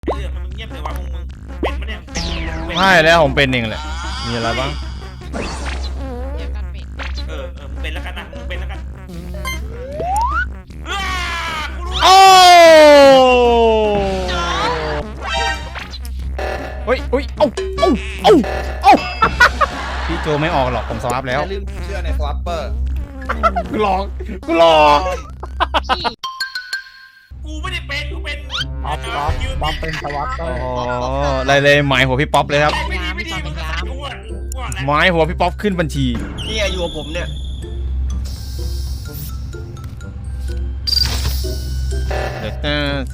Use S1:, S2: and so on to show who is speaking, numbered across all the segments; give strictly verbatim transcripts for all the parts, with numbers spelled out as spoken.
S1: เรื่องมันเงียบเลยวะมึงมึงเป็นปะเนี่ย
S2: ใช่แล้วผมเป็นเองแหละมีอะไรบ้าง
S3: เดี๋ยวกันปิด
S1: เออเออมึงเป็นแล้วกันนะมึงเป็นแล้วกันอ้ากูรู้
S2: โอ้เฮ้ยเฮ้ยเอ้าเอ้าเอ้าเอ้าพี่โจไม่ออกหรอกผมสวาปแล้ว
S4: อย่าลืมเชื่อในสวอปเปอร์
S2: กูหลอกกูหลอก
S3: ขี้
S1: กูไม่ได้เป็นกูเป็น
S5: ป๊อปป๊อปป๊อปเป็นสวัสดิ์
S2: อ๋ออะไรเลยหมายหัวพี่ป๊อปเลยครับ
S1: ไม่ดีไม่ดีมึงก็ใส่กูอ่ะกูอ่ะแหละ
S2: หมายหัวพี่ป๊อปขึ้นบัญชี
S4: นี่อยู่กับผมเนี่ย
S2: เดี๋ยวจะจะ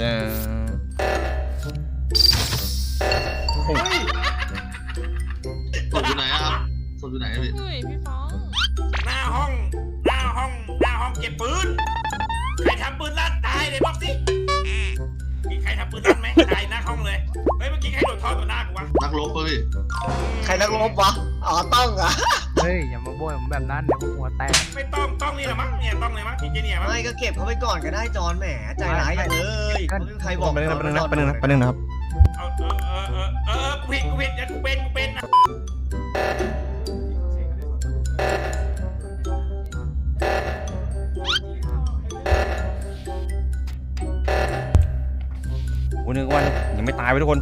S6: ศพอยู่ไหนอะครับศพอยู่ไหนอะพี่
S3: เฮ้ยพี่ฟ้อง
S1: หน้าห้องหน้าห้องหน้าห้องเก็บปืนใครทำปืนลั่นตายเลยบอกสิมีใครทำปืนลั่นไหมตายหน้าห้องเลยเฮ้ยเมื่อกี้ใครโดดท่อต่อหน้ากูวะ
S6: นักรบป่ะพี่
S4: ใครนักรบวะอ๋อต้องเหรอ
S5: เฮ้ยอย่ามาโบยผมแบบนั้นเดี๋ยวผมหัวแตก
S1: ไม่ต้องต้องนี่แหละมั้งเนี่ยต้องเลยมั้งพี่เจเนี่ยมั้ง
S4: ไม่ก็เก็บเขาไปก่อนก็ได้จอนแหมใจร้ายอย่างเลยไม่มีใครบอก
S2: ไปนึงนะไปนึงนะไปนึงนะไปนึงนะครับ
S1: เอาเออเออเออเออกูผิดกูผิดอย่ากูเป็นกูเป็นนะ
S2: โอ้นึกว่ายังไม่ตายไปทุกคน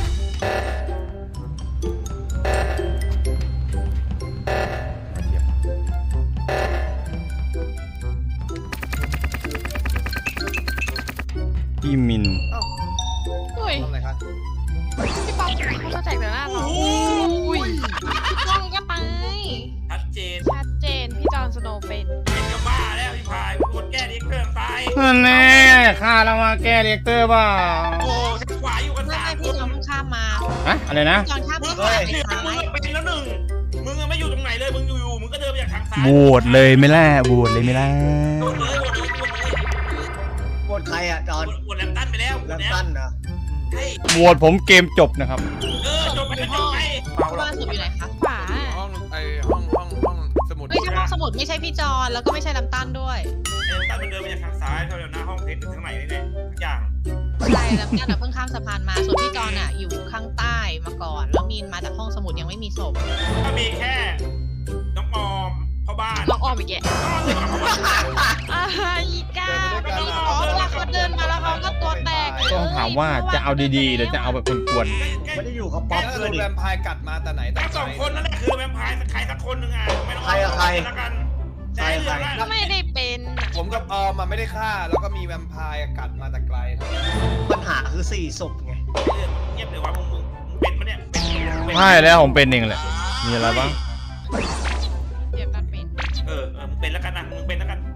S2: พี่มิน
S3: เฮ้ย
S4: ทำอะไรครับ
S3: พี่ป๊อปเขาจะแจกแต่หน้าเราอุ้ยพี่ป้องก็ตาย
S1: ชัดเจน
S3: ชัดเจนพี่จอห์นสโนว์เป็น
S1: เป็นก็บ้าแล้วพี่พายกดแก้ดิเครื่องตาย
S2: นั่นแน่ฆ่าแล้วมาแก้เรียกเตอร์เปล่า
S1: โอ้ฉันขวาอยู่กัน
S3: ไม่
S1: สาม
S3: ไม่
S1: ค
S3: พี่
S1: น
S3: จอห์นเพิ่งข้ามมา
S2: อะอะไรนะ
S3: พี่จอห์นข้าม
S1: มึ
S3: ไป
S1: ง
S3: ซ้าย
S1: เฮ้ย
S3: ไป
S1: มึ
S3: ซ้าง ย
S1: เป็นแล้วหนึ่งมึงไม่อยู่ตรงไหนเลยมึงอยู่ๆมึงก็เดินไปจากทางซ้าย
S2: โหวตเลยไม่ล่ะโหวตเลยไม่ล่ะ
S1: โดนเลยโดนเลยโดนเลย
S4: บทใครอ่ะจอน
S1: โดนแลมตันไปแล้ว
S4: แลมตันนะ
S1: ใช่
S2: โหวตผมเกมจบนะครับ
S1: เออจบไปแล้วจบไปเบาหรอ
S3: บ้าน
S1: ก
S3: ศพอยู่ไหนคะขวา
S7: ห้องไอห้องห้องห้องสมุด
S3: เฮ้ยถ้าห้องสมุดไม่ใช่พี่จอห์นแล้วก็ไม่ใช่ลำตันด้วย
S1: แลมตันมันเดินไปจากทางซ้ายเท่าเดินหน้าห้องเพชรถึงข้างในนี่แหละทุกอย่าง
S3: ใช่ลำตันอะเพิ่งข้ามสะพานมาส่วนพี่จอห์นอะอยู่ข้างใต้มาก่อนแล้วมีนมาจากห้องสมุดยังไม่มีศพ
S1: ก็มีแค่น้องออมพ่อบ้าน
S3: ล็อกออมอีกแก
S1: น้องออมเลยกับพ่อบ้าน
S3: อ่าอีกาพี่ฟ้องว่าเขาเดินมาแล้วเขาก็ตัวแตกเลย
S2: ต้องถามว่าจะเอาดีๆหรือจะเอาแบบกวน
S4: ไม่ได้อยู่กับป๊อป
S7: ถ้า
S4: เล
S7: โด
S4: ย
S7: น
S4: ดิ
S7: แวมไพร์กัดมาแต่ไหนแต่
S1: ทั้งสองคนนั่นแหละคือแวมไพร์ใครสักคนหนึ่งอ่ะไม่ต้อง
S4: ใครอะใคร
S1: แล้วกันใช่เรื่องละ
S3: ก็ไม่ได้เป็น
S7: ผมกับออมอะไม่ได้ฆ่า แล้วก็มีแวมไพร์กัดมาแต่ไกล
S4: ปัญหาคือสี่ศพไง
S1: เรื่องเงียบเลยวะมึงมึงมึงเป็นปะเนี่ยเป็นเป็น
S2: ๆใช่แล้วผมเป็นเองแหละมีอะไรบ้าง
S3: เดี๋ยวกันเป็น
S1: เออเออมึงเป็นแล้วกันนะมึงเป็นแล้วกัน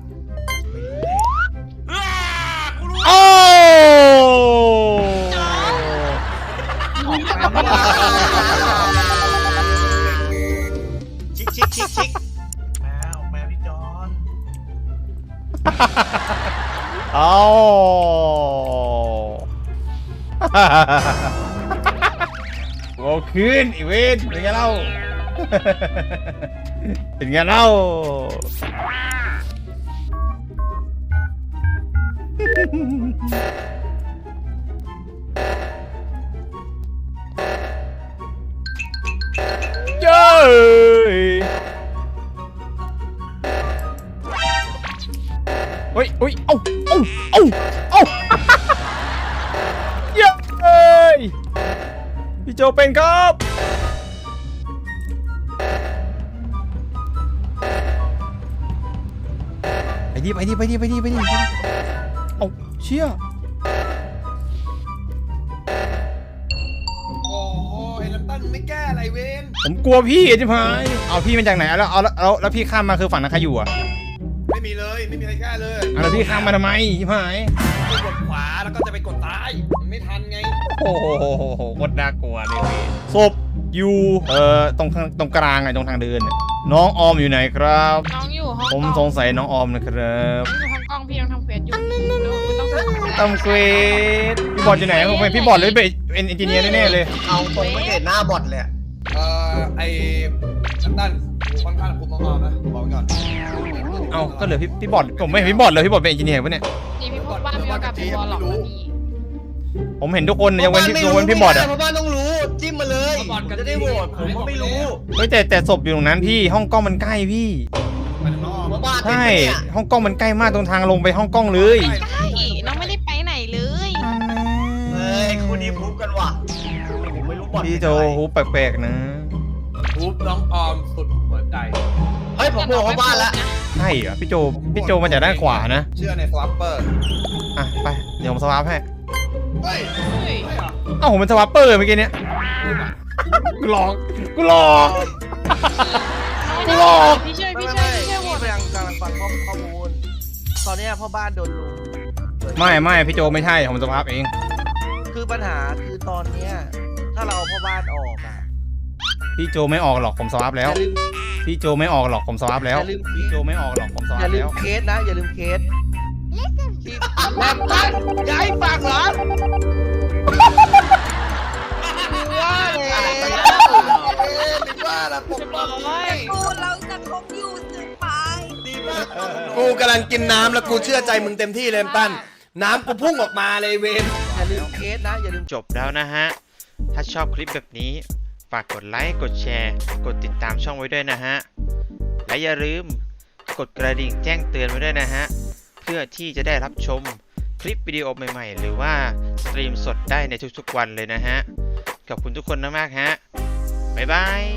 S1: อ้ากูรู้
S2: โอ้
S4: ชิกชิกชิกชิก
S5: แมวแมวพี่จอน
S2: เอาโอ้คืนอีเวนเป็นไงเล่า เป็นไงเล่าเย้ยเฮ้ยเฮ้ยเอ้าเอ้าเอ้าเอ้า เย้ยพี่โจเป็นครับไปดิไปดิไปดิไปดิไปดิเอาเชี่ย
S7: โอ้โหไอ้ลำตันไม่แก้อะไรเวน
S2: ผมกลัวพี่จิ๋พายเอาพี่มาจากไหนแล้วเอาแล้วแล้วแล้วพี่ข้ามมาคือฝั่งนั้นใครอยู่อ่ะ
S7: ไม่มีเลยไม่มีใครแก้เลย
S2: อ่ะแล้วพี่ข้ามมาทำไมจิ๋พาย
S7: ไปกดขวาแล้วก็จะไปกดซ้ายมันไม่ทันไง
S2: โอ้โหโคตรน่ากลัวเลยพี่ศพอยู่เอ่อตรงข้างตรงกลางไงตรงทางเดินน่ะน้องออมอยู่ไหนครับ
S3: น้องอยู่ห้อง
S2: ผมสงสัยน้องออมนะครับ
S3: น้องอยู่ห้องกล้องพี่ยังทำเควสอยู่ไม่ต้องทำ
S2: ตำเกรดพี่บอลอยู่ไหนผมเป็นพี่บอลเลยเป็นเอนจิเนียร์แน่ๆเลย
S4: เอาตรงไม่เห็นหน้าบอทเลยอะ
S7: เอ่อไอ้ลำตันค่อนข้างคุมน้องๆนะบอกไว้ก่อน
S2: เอ้าก็เหลือพี่พี่บอลผมไม่เห็นพี่บอลเลยพี่บอลเป็นเอนจิเนียร์ปะเนี่ย
S3: นี่พี่พบว่ามีโอกาสเป็นวอลล็อกนะพี่
S2: ผมเห็นทุกคนยกเว้นพี่ยกเว้นพี่บอดอะ
S4: พ่อบ้านต้องรู้จิ้มมาเลยผมจะได้โหวตผมก็ไม่รู้
S2: เฮ้ยแต่แต่ศพอยู่ตรงนั้นพี่ห้องกล้องมันใกล้พี่
S7: ไปข้างนอก
S4: พ่อบ้านเป็น
S2: ใช่
S4: ปะเนี่ย
S2: ห้องกล้องมันใกล้มากตรงทางลงไปห้องกล้องเลย
S3: ใช่น้องไม่ได้ไปไหนเลย
S4: เฮ้ยคู่นี้พูดกันว่ะผมไม่รู้บอล
S2: พี่โจ
S4: เป็นอะไร
S2: หูแปลกๆนะ
S7: ทุบน้องออมสุดหัวใจ
S4: เฮ้ยผมโหวตพ่อบ้านละ
S2: ใช่เหรอพี่โจพี่โจมาจากด้านขวานะ
S7: เชื่อในสวัปเปอร์
S2: อ่ะไปเดี๋ยวผมสวาปให้
S7: เฮ้ย
S3: เฮ้ย
S7: ไม่เหรอ
S2: เอ้าผมเป็นสวาปเปอร์เมื่อกี้เนี้ยกูหลอกกูหลอก
S3: น้อง
S2: หลอก
S3: พี่ช่วย
S8: ไม่
S3: พี่
S8: ไม่
S3: ช่วยพี่ช่วยโหว
S8: พี่
S3: ต
S8: กำลังกำลังฟังข้อข้อมูล ตอนเนี้ยพ่อบ้านโดนลุม
S2: ไม่ไม่พี่โจไม่ใช่ผมสวาปเอง
S8: คือปัญหาคือตอนเนี้ยถ้าเราเอาพ่อบ้านออกอ่ะ
S2: พี่โจไม่ออกหรอกผมสวาป
S8: อ
S2: แล้ว
S8: ย่าลืม
S2: พี่โจไม่ออกหรอกผมสวาปแล้ว
S8: อย่าลืม
S2: พี่โจไม่ออกหรอกผมสวา
S8: อย่า
S2: ป
S8: ลื
S2: แล้
S8: ม
S2: ว
S8: เคสนะ อย่าลืมเคสที่แลมตันย้ายฝั่งเหรอว่าเลยว่าละปกป้อง
S9: กูเราจะคบอยู่สืบไป
S8: ดีมาก
S10: กูกำลังกินน้ำแล้วกูเชื่อใจมึงเต็มที่เลยตั้นน้ำกูพุ่งออกมาเลยเวน
S8: อย่าลืมเคสนะ อย่าลืม
S11: จบแล้วนะฮะ ถ้าชอบคลิปแบบนี้ ฝากกดไลค์ กดแชร์ กดติดตามช่องไว้ด้วยนะฮะ และอย่าลืมกดกระดิ่งแจ้งเตือนไว้ด้วยนะฮะ เพื่อที่จะได้รับชมคลิปวิดีโอใหม่ๆ หรือว่าสตรีมสดได้ในทุกๆวันเลยนะฮะ ขอบคุณทุกคนมากๆฮะ บ๊ายบาย